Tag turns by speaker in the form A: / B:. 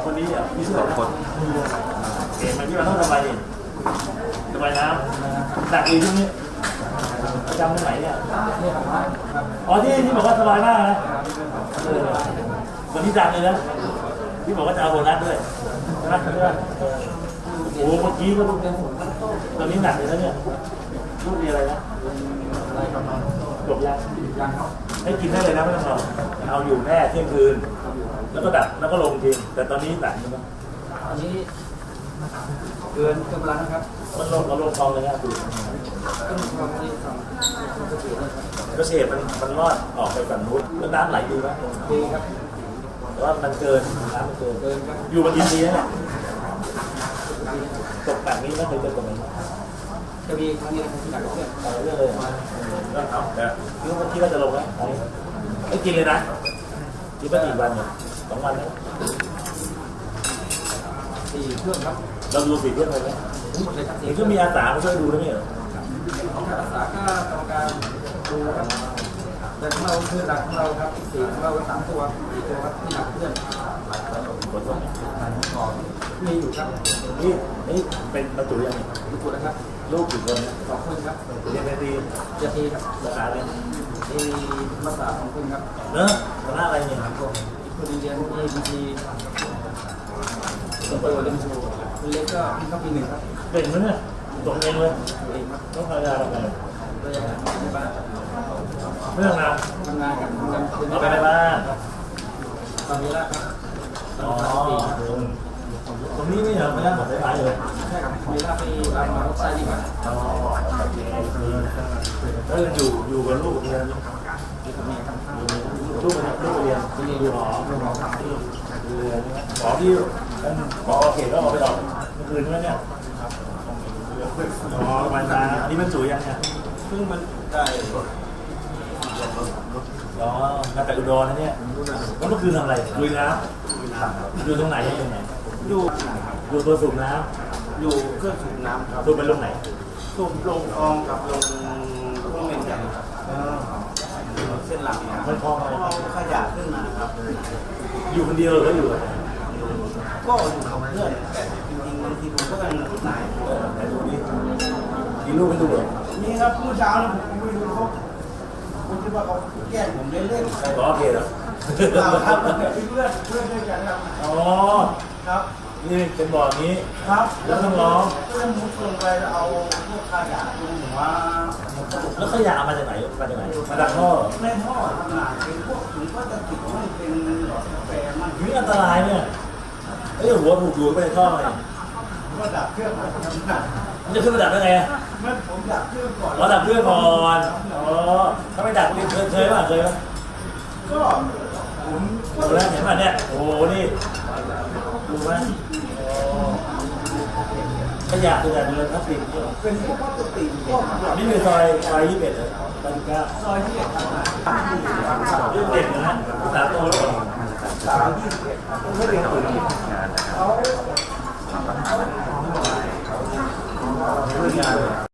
A: คนนี้อ่ะพี่ชื่ออะไรคนเห็นไหมพี่มาต้องทำไมดิทำไมน้ำหนักอีช่วงนี้ประจำที่ไหนเนี่ยอ๋อที่บอกว่าสบายมากนะวันนี้ดังเลยนะที่บอกว่าจะเอาโบนัสด้วยใช่ไหมโอ้โหเมื่อกี้ก็ตอนนี้หนักเลยนะเนี่ยลูกมีอะไรนะจบยังให้กินได้เลยนะไม่ต้องรอเอาอยู่แน่เที่ยงคืนแล้วก็ดับแล้วก็ลงจริงแต่ตอนนี้หนักมั้ย
B: อันนี้เกินกำลังครับ
A: มันลงเราลงคลองเลยนะดูก็เสียมันรอดออกไปฝั่งนู้นแล้วน้ำไหลดีไหม
B: ดีครับ
A: แต่ว่ามันเกินน้ำมันเกินอยู่มากี่ปีแล้วเนี่ยตกแบบนี้ไม่เคยเจอตรงนี้
B: จะมีครั้งนี้ที่หนักเพื่อน
A: เรื่องเลยก็เอาแต่คิดว่าจะลงแล้วไม่กินเลยนะกินไปกี่วันเนี่ย2 วันแล้ว
B: 4 เครื่องครับ
A: เราดู4 เครื่องเลยไหมเห็นก็มีอาสามาช่วยดูด้วยเหรอ
B: อาสาก็กรรมการดูครับแต่ของเราคือหลักของเราครับ4ของเรา3 ตัว4 ตัวครับที่หนักเพื่อนมีอยู่ครับ
A: นี่เป็นประตูยังไง
B: ประตูนะครับ
A: ลูกกี่คนนะ
B: 2 คนครับ
A: เรียนดี
B: ครับ
A: ภาษาอะไร
B: ภาษา2 คนครับ
A: เนอะคณะอะไรเนี่ย
B: คนเรียนABGตัวเรียนโชว์เล็กก็เข้าปี 1ครับ
A: เก่งไหมเนี่ยตรงเองเลยต้องพยายามอะไร
B: ในบ้าน
A: เรื่องงาน
B: ทำงานกับ
A: เอาไปในบ้าน
B: ตอนนี้ละครับ
A: อ๋อตรงนี้ไม่เหรอไม่ได้หมดได้เลย
B: ใช่ครับมีละไปรับมาใช้ดีกว่า
A: อ๋อแล้วอยู่กับลูกเรียนลูกเรียนอยู่หอที่หอเขตก็เอาไปออกเมื่อคืนใช่ไหมเนี่ยอ๋อมันมาอันนี้มันจุ๋ยยังเนี่ย
B: เพิ่งมันได้
A: อ๋อมาจากอุดรนะเนี่ยแล้วเมื่อคืนทำอะไรลุยน้ำอยู่ตรงไหนตรงไหนอยู่ตัวสูบน้
B: ำอยู่เครื่องสูบน้ำครับ
A: สูบไปลงไหน
B: สูบลงคลองกับลงเมนใหญ่เส้นหลัง
A: มันคลองอะไร
B: ขยะขึ้นมาครับ
A: อยู่คนเดียวหรือก็อยู่
B: ก็อยู่กับเพื่อนแต่จริงๆบางทีผมก็เป็นนาย
A: ไหนดูดิมีลูกไม่ดูเหรอ
B: นี่ครับเมื่อเช้านะผมไม่ดูเขาผมคิดว่าเขาแกล้งผมเล่น
A: ๆขอเคเหรอ
B: ครับเพื่อนด้วยกันครับ
A: อ๋อ
B: ครับ
A: นี่เป็นบ่อนี้
B: ครับ
A: แล้วต้องร้อง
B: เพื่อนมุดลงไปเอาพวกขยะลงหัว
A: แล้วขยะมาจากไหนมาจากท่อ
B: ในท่อทำงานเป็นพวกถุงพลาสติกมันเป็นหลอดกาแฟมัน
A: นี่อันตรายเนี่ยหัวถูกดูไปในท่อไง
B: ก็ดับเครื่องทำงาน
A: มันจะขึ้นมาดับได้ไง
B: มันผมดับเครื่องก่อน
A: ดับเครื่องก่อนอ๋อถ้าไม่ดับเคยป่ะ
B: ก็ผม
A: ดูแล้วเห็นป่ะเนี่ยโอ้นี่ดูไหมขยะคือแบบเรือนพลาสติก
B: เป็นพวกพลาสติก
A: นี่คือซอย21เลยซอย19
B: ซอย21ครับ
A: เรื่องเด็กนะ